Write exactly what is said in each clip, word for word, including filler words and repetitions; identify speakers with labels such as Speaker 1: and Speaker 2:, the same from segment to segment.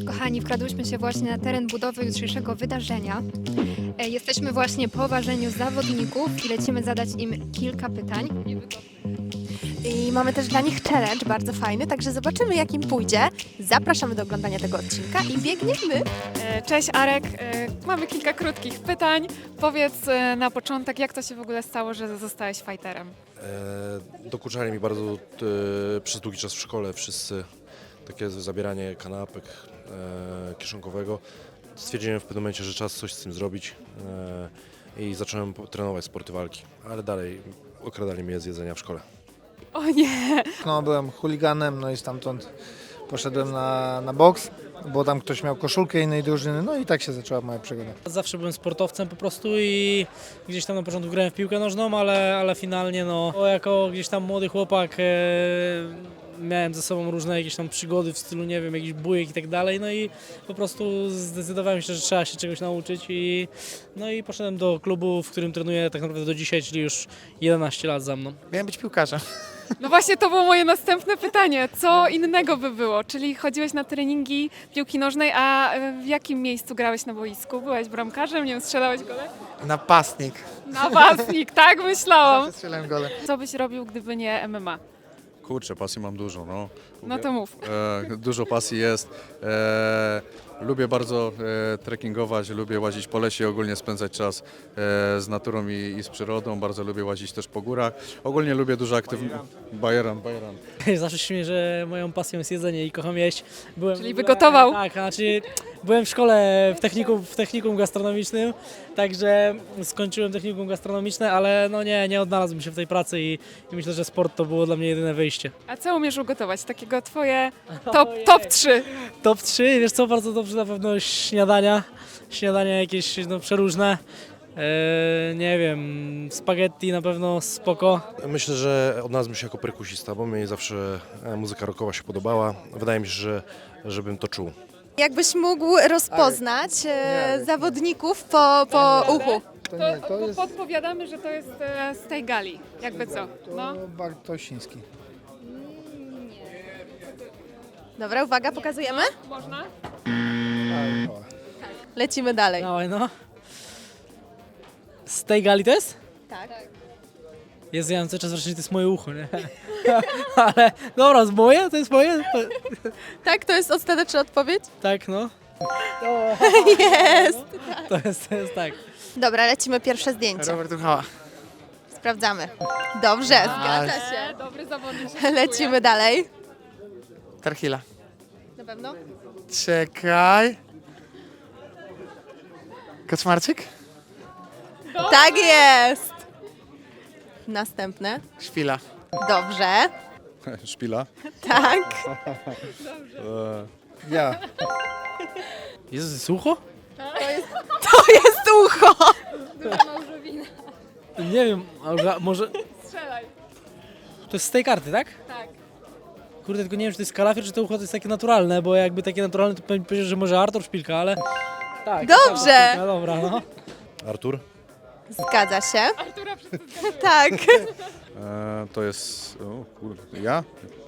Speaker 1: Kochani, wkradłyśmy się właśnie na teren budowy jutrzejszego wydarzenia. E, Jesteśmy właśnie po ważeniu zawodników i lecimy zadać im kilka pytań.
Speaker 2: I mamy też dla nich challenge bardzo fajny, także zobaczymy jak im pójdzie. Zapraszamy do oglądania tego odcinka i biegniemy.
Speaker 3: E, Cześć Arek, E, mamy kilka krótkich pytań. Powiedz e, na początek, jak to się w ogóle stało, że zostałeś fighterem?
Speaker 4: E, Dokuczali mi bardzo e, przez długi czas w szkole wszyscy takie zabieranie kanapek e, kieszonkowego. Stwierdziłem w pewnym momencie, że czas coś z tym zrobić e, i zacząłem po- trenować sporty walki, ale dalej okradali mnie z jedzenia w szkole.
Speaker 3: O nie!
Speaker 5: No, byłem chuliganem, no i stamtąd poszedłem na, na boks, bo tam ktoś miał koszulkę innej drużyny, no i tak się zaczęła moja przygoda.
Speaker 6: Zawsze byłem sportowcem po prostu i gdzieś tam na początku grałem w piłkę nożną, ale, ale finalnie no, jako gdzieś tam młody chłopak e, miałem ze sobą różne jakieś tam przygody w stylu, nie wiem, jakiś bujek i tak dalej, no i po prostu zdecydowałem się, że trzeba się czegoś nauczyć i no i poszedłem do klubu, w którym trenuję tak naprawdę do dzisiaj, czyli już jedenaście lat za mną.
Speaker 7: Miałem być piłkarzem.
Speaker 3: No właśnie to było moje następne pytanie. Co innego by było? Czyli chodziłeś na treningi piłki nożnej, a e, w jakim miejscu grałeś na boisku? Byłeś bramkarzem, nie wiem, strzelałeś gole?
Speaker 7: Napastnik.
Speaker 3: Napastnik, tak myślałam.
Speaker 7: Strzelałem gole.
Speaker 3: Co byś robił, gdyby nie M M A?
Speaker 8: Kurczę, pasji mam dużo, no.
Speaker 3: No to mów.
Speaker 8: E, dużo pasji jest. E, lubię bardzo e, trekkingować, lubię łazić po lesie, ogólnie spędzać czas e, z naturą i, i z przyrodą. Bardzo lubię łazić też po górach. Ogólnie lubię dużo aktywności. Bajeran, bajeran.
Speaker 6: Zawsze się śmieję, że moją pasją jest jedzenie i kocham jeść. Byłem
Speaker 3: Czyli
Speaker 6: w ogóle-
Speaker 3: wygotował?
Speaker 6: Tak, znaczy byłem w szkole w technikum, w technikum gastronomicznym, także skończyłem technikum gastronomiczne, ale no nie, nie odnalazłem się w tej pracy i, i myślę, że sport to było dla mnie jedyne wyjście.
Speaker 3: A co umiesz ugotować? Takiego twoje top, top trzy.
Speaker 6: Top trzy, wiesz co, bardzo dobrze na pewno śniadania, śniadania jakieś no, przeróżne. Eee, nie wiem, spaghetti na pewno spoko.
Speaker 4: Myślę, że odnalazłem się jako perkusista, bo mnie zawsze e, muzyka rockowa się podobała. Wydaje mi się, że żebym to czuł.
Speaker 2: Jakbyś mógł rozpoznać e,
Speaker 5: Nie.
Speaker 2: zawodników po, po uchu.
Speaker 5: To
Speaker 3: To,
Speaker 5: nie, to jest,
Speaker 3: podpowiadamy, że to jest e, z tej gali. Jakby co? No.
Speaker 5: to Bartosiński.
Speaker 2: Dobra, uwaga, pokazujemy?
Speaker 3: Można?
Speaker 5: Tak, o.
Speaker 2: Lecimy dalej.
Speaker 6: Dawaj no. Z tej gali to jest?
Speaker 2: Tak.
Speaker 6: Jezu, ja mam cały czas wrażenie, że to jest moje ucho, nie? Ale dobra, z moje? To jest moje? To,
Speaker 2: Tak, to jest ostateczna odpowiedź?
Speaker 6: tak, no.
Speaker 2: Jest!
Speaker 6: To jest, to jest tak.
Speaker 2: Dobra, lecimy pierwsze zdjęcie.
Speaker 7: Robert Uchała.
Speaker 2: Sprawdzamy. Dobrze, zgadza się.
Speaker 3: Dobry zawodnik.
Speaker 2: Lecimy dalej.
Speaker 7: Tarchila.
Speaker 2: Na pewno?
Speaker 7: Czekaj. Kaczmarczyk?
Speaker 2: Tak jest! Następne.
Speaker 7: Szpila.
Speaker 2: Dobrze.
Speaker 8: Szpila.
Speaker 2: Tak.
Speaker 8: E,
Speaker 5: Ja.
Speaker 6: Jezu, to jest ucho?
Speaker 2: To jest ucho!
Speaker 6: Nie wiem, ale może...
Speaker 3: Strzelaj.
Speaker 6: To jest z tej karty, tak?
Speaker 3: Tak.
Speaker 6: Kurde, tylko nie wiem, czy to jest kalafior, czy to ucho to jest takie naturalne, bo jakby takie naturalne, to pewnie powiedział, że może Artur Szpilka, ale... Tak.
Speaker 2: Dobrze.
Speaker 6: Szpilka, dobra, no.
Speaker 4: Artur?
Speaker 2: Zgadza się.
Speaker 3: Artura wszyscy
Speaker 2: Tak.
Speaker 8: e, to jest... O kurde, ja?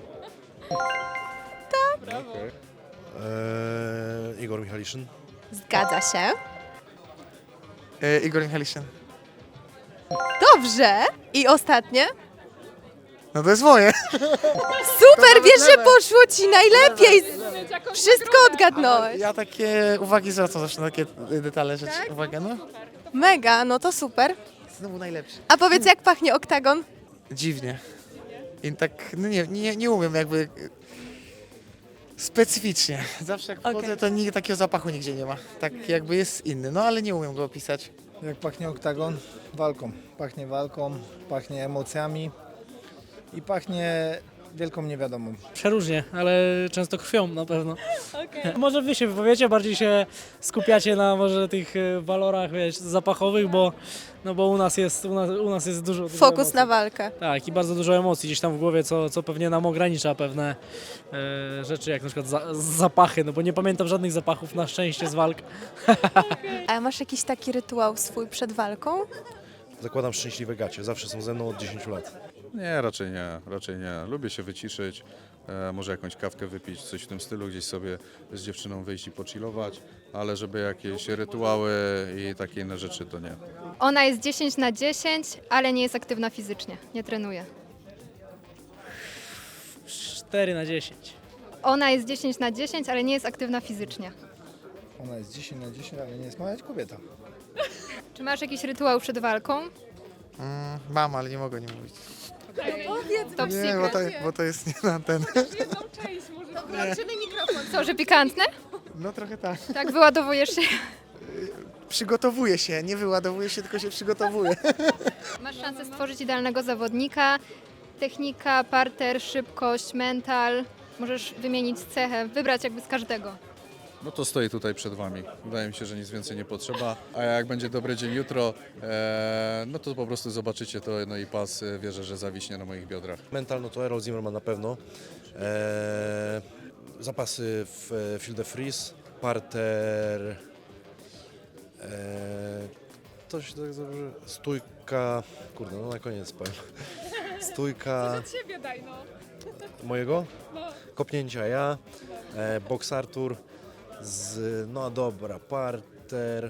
Speaker 4: E, Igor Michaliszyn?
Speaker 2: Zgadza się.
Speaker 7: E, Igor Michaliszyn.
Speaker 2: Dobrze. I ostatnie.
Speaker 7: No to jest moje.
Speaker 2: Super, wiesz, że poszło ci najlepiej. Wszystko odgadnąłeś.
Speaker 7: Ja takie uwagi zwracam zawsze na takie detale rzeczy. Uwaga, no.
Speaker 2: Mega, no to super.
Speaker 7: Znowu najlepszy.
Speaker 2: A powiedz, jak pachnie oktagon?
Speaker 7: Dziwnie. I tak, no nie, nie, nie umiem jakby... Specyficznie. Zawsze jak wchodzę,
Speaker 2: Okej.
Speaker 7: to nigdy takiego zapachu nigdzie nie ma. Tak jakby jest inny, no ale nie umiem go opisać.
Speaker 5: Jak pachnie oktagon? Walką. Pachnie walką, pachnie emocjami i pachnie wielką niewiadomą.
Speaker 6: Przeróżnie, ale często krwią na pewno. Może wy się wypowiecie, bardziej się skupiacie na może tych e, walorach, wiesz, zapachowych, bo, no bo u nas jest, u nas, u nas jest dużo, dużo
Speaker 2: Fokus
Speaker 6: emocji.
Speaker 2: na walkę.
Speaker 6: Tak, i bardzo dużo emocji gdzieś tam w głowie, co, co pewnie nam ogranicza pewne e, rzeczy, jak na przykład za, zapachy, no bo nie pamiętam żadnych zapachów na szczęście z walk.
Speaker 2: A masz jakiś taki rytuał swój przed walką?
Speaker 4: Zakładam szczęśliwe gacie, zawsze są ze mną od dziesięciu lat.
Speaker 8: Nie, raczej nie, raczej nie. Lubię się wyciszyć, e, może jakąś kawkę wypić, coś w tym stylu, gdzieś sobie z dziewczyną wyjść i pochillować, ale żeby jakieś rytuały i takie inne rzeczy to nie.
Speaker 1: Ona jest dziesięć na dziesięć, ale nie jest aktywna fizycznie, nie trenuje.
Speaker 6: cztery na dziesięć.
Speaker 1: Ona jest dziesięć na dziesięć, ale nie jest aktywna fizycznie.
Speaker 5: Ona jest dziesięć na dziesięć, ale nie jest mała kobieta.
Speaker 1: Czy masz jakiś rytuał przed walką?
Speaker 7: Mm, mam, ale nie mogę nie mówić.
Speaker 1: Top
Speaker 7: Nie,
Speaker 1: secret.
Speaker 7: bo to, bo to jest nie na ten.
Speaker 1: Co, że pikantne?
Speaker 7: No trochę tak.
Speaker 1: Tak, wyładowujesz się.
Speaker 7: Przygotowuję się, nie wyładowuję się, tylko się przygotowuję.
Speaker 1: Masz szansę stworzyć idealnego zawodnika. Technika, parter, szybkość, mental. Możesz wymienić cechę, wybrać jakby z każdego.
Speaker 8: No to stoi tutaj przed Wami. Wydaje mi się, że nic więcej nie potrzeba. A jak będzie dobry dzień jutro, e, no to po prostu zobaczycie to, no i pas e, wierzę, że zawiśnie na moich biodrach.
Speaker 4: Mental, no to Errol Zimmerman na pewno. E, zapasy w Field de Freeze, parter, e, to się tak dobrze, stójka, kurde, no na koniec powiem. Stójka
Speaker 3: Ciebie daj, no.
Speaker 4: mojego, kopnięcia ja, e, boks Artur, z, no dobra, parter,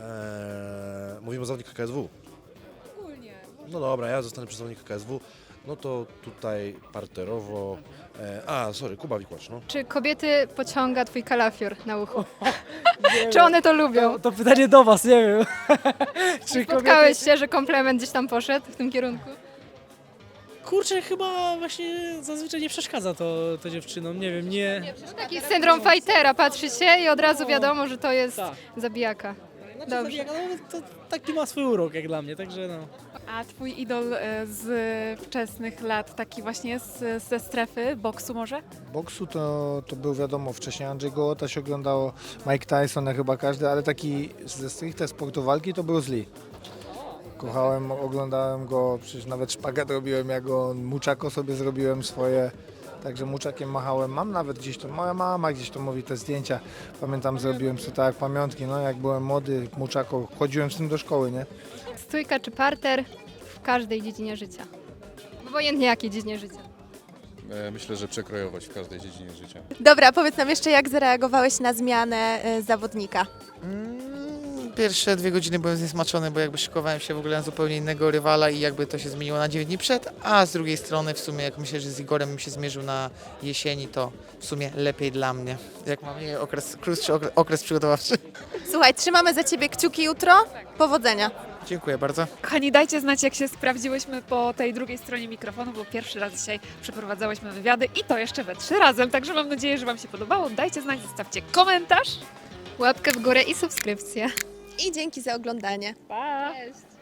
Speaker 4: e, mówimy o zawodnikach K S W.
Speaker 3: Ogólnie.
Speaker 4: No dobra, ja zostanę przy zawodniku K S W, no to tutaj parterowo, e, a sorry, Kuba Wikłacz, no.
Speaker 1: Czy kobiety pociąga twój kalafior na uchu? Czy one to lubią?
Speaker 6: To, to pytanie do was, nie wiem. Czy
Speaker 1: Spotkałeś się, że komplement gdzieś tam poszedł w tym kierunku?
Speaker 6: Kurczę, chyba właśnie zazwyczaj nie przeszkadza to, to dziewczynom, nie wiem, nie...
Speaker 1: Taki syndrom fightera, patrzy się i od razu wiadomo, że to jest
Speaker 6: Tak.
Speaker 1: zabijaka.
Speaker 6: Znaczy,
Speaker 1: Dobrze.
Speaker 6: zabijaka, no, to taki ma swój urok jak dla mnie, także no.
Speaker 3: A twój idol e, z wczesnych lat, taki właśnie z, ze strefy boksu może?
Speaker 5: Boksu to, to był wiadomo, wcześniej Andrzej Gołota się oglądało, Mike Tyson, jak chyba każdy, ale taki ze stricte sportu walki to Bruce Lee. Kochałem, oglądałem go, przecież nawet szpagat robiłem, jak go muczako sobie zrobiłem swoje, także muczakiem machałem. Mam nawet gdzieś to, moja mama gdzieś to mówi, te zdjęcia, pamiętam, zrobiłem sobie tak jak pamiątki, no jak byłem młody, muczako, chodziłem z tym do szkoły, nie?
Speaker 1: Stójka czy parter w każdej dziedzinie życia. Obojętnie jakiej dziedzinie życia.
Speaker 8: E, myślę, że przekrojowość w każdej dziedzinie życia.
Speaker 2: Dobra, powiedz nam jeszcze, jak zareagowałeś na zmianę y, zawodnika.
Speaker 7: Mm, Pierwsze dwie godziny byłem zniesmaczony, bo jakby szykowałem się w ogóle na zupełnie innego rywala i jakby to się zmieniło na dziewięć dni przed, a z drugiej strony w sumie jak myślę, że z Igorem bym się zmierzył na jesieni, to w sumie lepiej dla mnie. Jak mam nie, okres, krótszy okres, okres przygotowawczy.
Speaker 2: Słuchaj, trzymamy za ciebie kciuki jutro. Powodzenia.
Speaker 7: Dziękuję bardzo.
Speaker 3: Kochani, dajcie znać, jak się sprawdziłyśmy po tej drugiej stronie mikrofonu, bo pierwszy raz dzisiaj przeprowadzałyśmy wywiady i to jeszcze we trzy razem, także mam nadzieję, że Wam się podobało. Dajcie znać, zostawcie komentarz.
Speaker 1: Łapkę w górę i subskrypcję.
Speaker 2: I dzięki za oglądanie.
Speaker 3: Pa!
Speaker 1: Cześć.